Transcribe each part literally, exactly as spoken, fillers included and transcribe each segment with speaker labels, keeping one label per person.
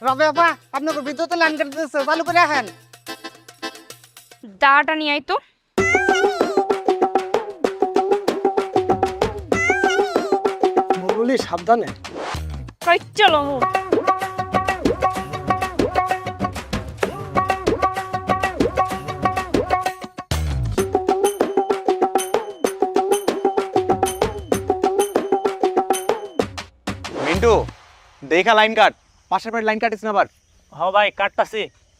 Speaker 1: রবে আপা আপনাকে বিদ্যুতের লাইন কেটে দিচ্ছে, চালু করে রাখেন।
Speaker 2: দাঁড়াটা নিয়ে আই তো।
Speaker 3: বলি সাবধানে।
Speaker 2: কই চলো।
Speaker 4: মিন্টু দেখা লাইন কাট, পাশের বাড়ির লাইন কাটিস না আবার।
Speaker 3: হ ভাই কাটতাছি।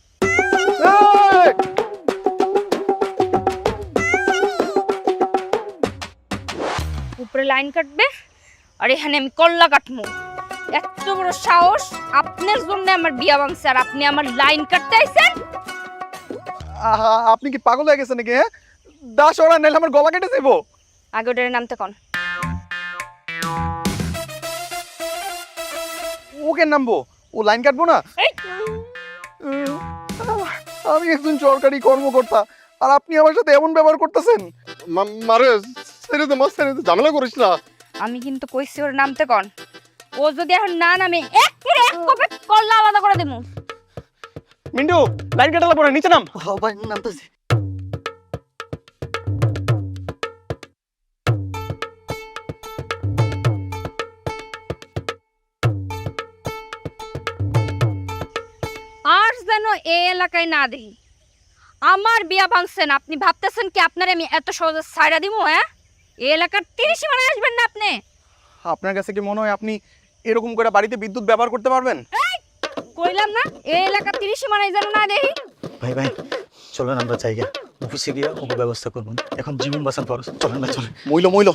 Speaker 2: উপরে লাইন কাটবে আর এখানে আমি কল্লা কাটবো। এত বড় সাহস! আপনার জন্য আমার বিয়া ভাঙছে আর আপনি আমার লাইন কাটতে আইছেন?
Speaker 4: আহা, আপনি কি পাগল হয়ে গেছেন নাকি? হ্যাঁ, দাস ওরা নাইলে আমার গলা কেটে যাবো।
Speaker 2: আগে ওটার নামতে কোন।
Speaker 4: ওকে নামবো, ও লাইন কাটবো না।
Speaker 2: এই!
Speaker 4: উম, আহ, আমি একজন সরকারি কর্মকর্তা আর আপনি আমার সাথে এমন ব্যবহার করতেছেন। মারে ছেড়ে দে, মা ছেড়ে দে, ঝামেলা করিস না।
Speaker 2: আমি কিন্তু কইছি ওর নামতে কোন। ও যদি এখন না নামে এক করে এক কপে কল্লা আলাদা করে দেবো।
Speaker 4: মিন্টু লাইন কাটালা পরে নিচে নাম।
Speaker 1: হ ভাই নামতেছি।
Speaker 2: আর যেন এই এলাকায় না দেখি। আমার বিয়া ভাঙছেন, আপনি ভাবতেছেন কি আপনার আমি এত সহজে ছাইড়া দিব? হ্যাঁ, এই এলাকার তিরিশ মানে আসবেন না আপনি।
Speaker 4: আপনার কাছে কি মনে হয় আপনি এরকম করে বাড়িতে বিদ্যুৎ ব্যবহার করতে পারবেন?
Speaker 2: কইলাম না এই এলাকার তিরিশ মানে যেন না দেখি।
Speaker 3: ভাই ভাই চলেন আমরা জায়গা অফিসে গিয়ে ওকে ব্যবস্থা করবো। এখন জীবন বাঁচান খরচ। চলেন ভাই চলেন।
Speaker 4: মইল মইল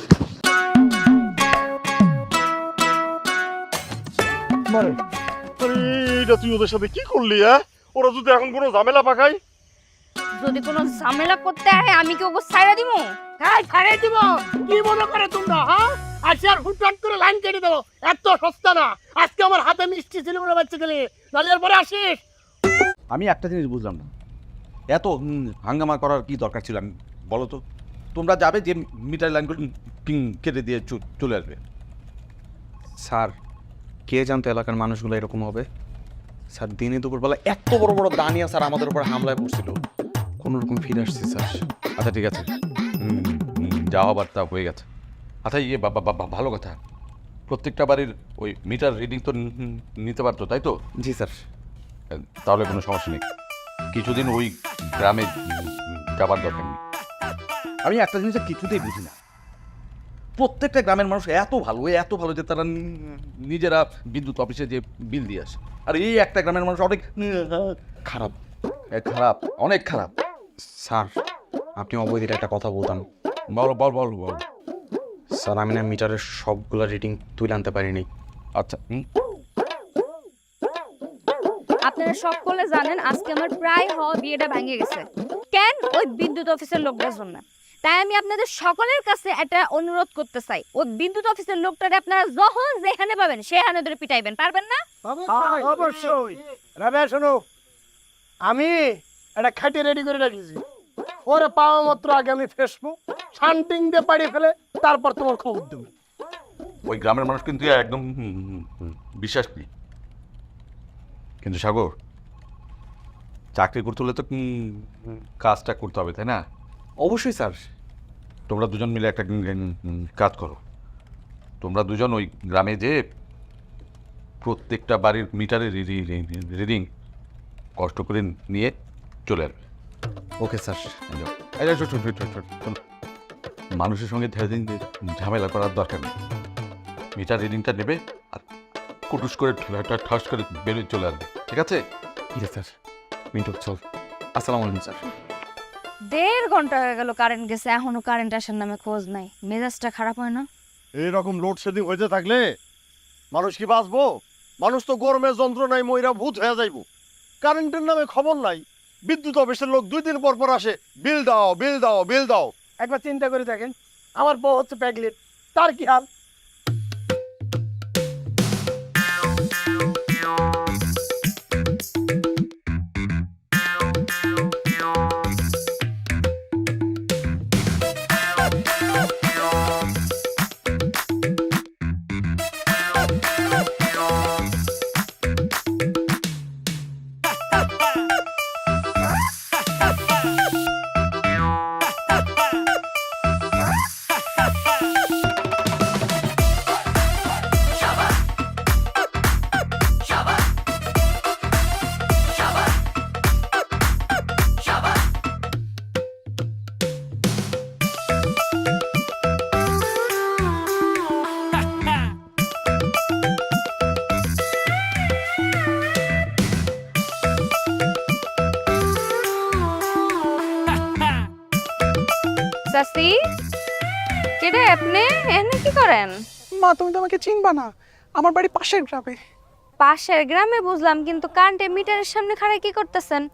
Speaker 5: মারে এইটা তুই ওদের সাথে কি করলি? হ্যাঁ, ওরা যদি এখন কোনো ঝামেলা পাকায়?
Speaker 2: যদি কোনো ঝামেলা করতে হয় আমি কি ওকে ছাইড়া দিব?
Speaker 6: হ্যাঁ ছাড়ে দিব। কি মনে করে তোমরা? হ্যাঁ আজকে আর হুটহাট করে লাইন কেটে দেবো? এত সস্তা না। আজকে আমার হাতে মিষ্টি ছিল বলে বাচ্চা গেলে, নাহলে এরপরে আসিস।
Speaker 7: আমি একটা জিনিস বুঝলাম না, এত হুম, হাঙ্গামা করার কি দরকার ছিল? আমি বলো তো, তোমরা যাবে যে মিটার লাইনগুলো টিং কেটে দিয়ে চ- চলে আসবে।
Speaker 4: স্যার, কে জানতো এলাকার মানুষগুলো এরকম হবে? স্যার দিনে দুপুরবেলা এত বড় বড় দানিয়া স্যার আমাদের উপর হামলায় পড়ছিল, কোনো রকম ফিরে আসছি স্যার।
Speaker 7: আচ্ছা ঠিক আছে, হুম, হুম, যা হবার তা হয়ে গেছে। আচ্ছা ইয়ে বাবা বাবা ভালো কথা, প্রত্যেকটা বাড়ির ওই মিটার রিডিং তো নি- নিতে পারতো তাই তো?
Speaker 4: জি স্যার।
Speaker 7: তাহলে কোনো সমস্যা নেই, কিছুদিন ওই গ্রামে যাবার দরকার নেই। আমি একটা জিনিসটা কিছুতেই বুঝি না, প্রত্যেকটা গ্রামের মানুষ এত ভালো এত ভালো যে তারা নি- নিজেরা বিদ্যুৎ অফিসে যে বিল দিয়ে আসে, আর এই একটা গ্রামের মানুষ অনেক
Speaker 4: খারাপ।
Speaker 7: এ, খারাপ, অনেক খারাপ।
Speaker 4: স্যার, আপনি অবৈধের একটা কথা বলতাম।
Speaker 7: বলো বল বল বল।
Speaker 4: স্যার, আমি না মিটারের সবগুলো রিডিং তুলে আনতে পারিনি।
Speaker 7: আচ্ছা হুম,
Speaker 2: আপনারা সকলে জানেন আজকে আমার প্রায় হওয়া বিয়েটা ভেঙে গেছে। কেন? ওই বিদ্যুৎ অফিসের লোকটার জন্য। তাই আমি আপনাদের সকলের কাছে একটা অনুরোধ করতে চাই, ওই বিদ্যুৎ অফিসের লোকটারে আপনারা যখন যেখানে পাবেন সেখানে ধরে পিটাইবেন, পারবেন না?
Speaker 6: অবশ্যই। রাবেয়া শোনো, আমি একটা খাটি রেডি করে রেখেছি। ওরে পাওয়া মাত্র আগে আমি ফেসবো, শান্তিং দিয়ে পাড়িয়ে ফেলে তারপর তোমার খবর দেবো।
Speaker 7: ওই গ্রামের মানুষ কিন্তু একদম হুম, হুম, হুম, বিশ্বাস নেই। কিন্তু সাগর, চাকরি করতে হলে তো হুম, হুম, কাজটা করতে হবে তাই না?
Speaker 4: অবশ্যই স্যার।
Speaker 7: তোমরা দুজন মিলে একটা উম, উম, কাজ করো, তোমরা দুজন ওই গ্রামে যে প্রত্যেকটা বাড়ির মিটারে রিডিং কষ্ট করে নিয়ে চলে আসবে।
Speaker 4: Okay sir.
Speaker 7: এই যাও। এই যাও, শোন, শোন, শোন, শোন, শোন। মানুষের সঙ্গে ধীরে ধীরে ঝামেলা করার দরকার নেই, মিটার রিডিংটা নেবে আর কুটুস করে ঠা- ঠাস করে বেরিয়ে চলে আসবে, ঠিক আছে?
Speaker 4: ঠিক আছে স্যার। মিন্টু চল। আসসালামু আলাইকুম স্যার।
Speaker 2: দেড় ঘন্টা হয়ে গেল কারেন্ট গেছে, এখনো কারেন্ট আসার নামে খোঁজ নাই। মেজাজটা খারাপ হয় না?
Speaker 5: এইরকম লোডশেডিং হইতে থাকলে মানুষ কি বাঁচবো? মানুষ তো গরমের যন্ত্রণায় মইরা ভূত হয়ে যাইব। কারেন্টের নামে খবর নাই, বিদ্যুৎ অফিসের লোক দুই দিন পর পর আসে, বিল দাও বিল দাও বিল দাও।
Speaker 6: একবার চিন্তা করে দেখেন, আমার বউ হচ্ছে প্যাগলেট, তার কি হাল?
Speaker 2: ভাবছি কেডে আপনি এনে কি করেন?
Speaker 8: মা তুমি তো আমাকে চিনবা না, আমার বাড়ি পাশের গ্রামে।
Speaker 2: পাশের গ্রামে বুঝলাম, কিন্তু কারেন্টের মিটারের সামনে খাড়াই কি করতেছেন?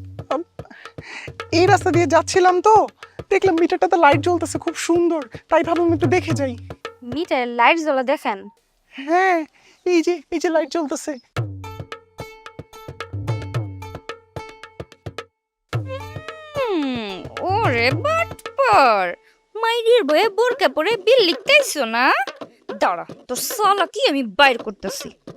Speaker 8: এই রাস্তা দিয়ে যাচ্ছিলাম তো দেখলাম মিটারটাতে লাইট জ্বলতেছে খুব সুন্দর, তাই ভাবলাম একটু দেখে যাই।
Speaker 2: মিটারের লাইট জ্বলা দেখেন?
Speaker 8: হ্যাঁ, এই যে এই যে লাইট জ্বলতেছে।
Speaker 2: হুম, ওরে বাটপার, মাইরির বয়ে বোরকা পরে বিল লিখতেইছো না? দাঁড়া, তোর সালা কি আমি বাইর করতেছি।